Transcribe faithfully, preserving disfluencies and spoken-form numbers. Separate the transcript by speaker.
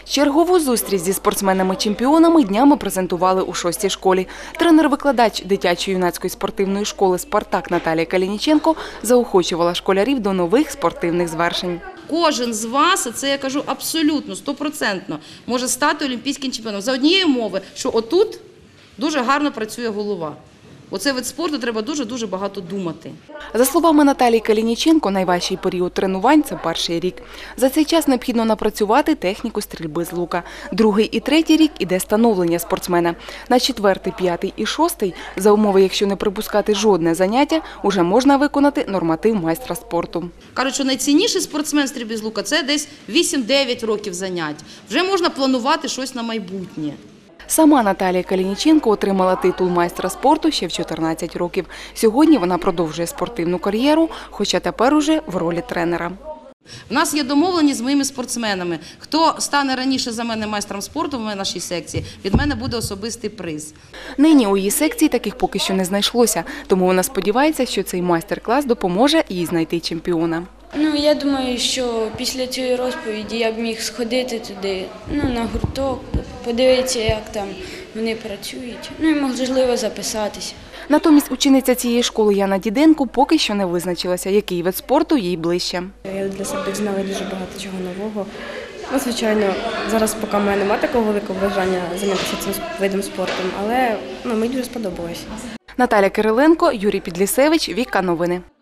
Speaker 1: Чергову зустріч зі спортсменами-чемпіонами днями презентували у шостій школі. Тренер-викладач дитячо-юнацької спортивної школи «Спартак» Наталія Калініченко заохочувала школярів до нових спортивних звершень.
Speaker 2: Кожен з вас, це я кажу абсолютно, стопроцентно, може стати олімпійським чемпіоном. За однієї умови, що отут дуже гарно працює голова. Оцей вид спорту треба дуже-дуже багато думати.
Speaker 1: За словами Наталії Калініченко, найважчий період тренувань – це перший рік. За цей час необхідно напрацювати техніку стрільби з лука. Другий і третій рік – іде становлення спортсмена. На четвертий, п'ятий і шостий, за умови, якщо не припускати жодне заняття, уже можна виконати норматив майстра спорту.
Speaker 2: Кажуть, що найцінніший спортсмен стрільби з лука – це десь вісім-дев'ять років занять. Вже можна планувати щось на майбутнє.
Speaker 1: Сама Наталія Калініченко отримала титул майстра спорту ще в чотирнадцять років. Сьогодні вона продовжує спортивну кар'єру, хоча тепер уже в ролі тренера.
Speaker 2: У нас є домовленість з моїми спортсменами. Хто стане раніше за мене майстром спорту в нашій секції, від мене буде особистий приз.
Speaker 1: Нині у її секції таких поки що не знайшлося, тому вона сподівається, що цей майстер-клас допоможе їй знайти чемпіона.
Speaker 3: Ну, я думаю, що після цієї розповіді я б міг сходити туди, ну, на гурток, подивитися, як там вони працюють, ну і можливо записатися.
Speaker 1: Натомість учениця цієї школи Яна Діденко поки що не визначилася, який вид спорту їй ближче.
Speaker 4: Я для себе дізнала дуже багато чого нового. Ну, звичайно, зараз поки в мене немає такого великого бажання займатися цим видом спорту, але ну, мені дуже сподобалось.
Speaker 1: Наталя Кириленко, Юрій Підлісевич, Віка Новини.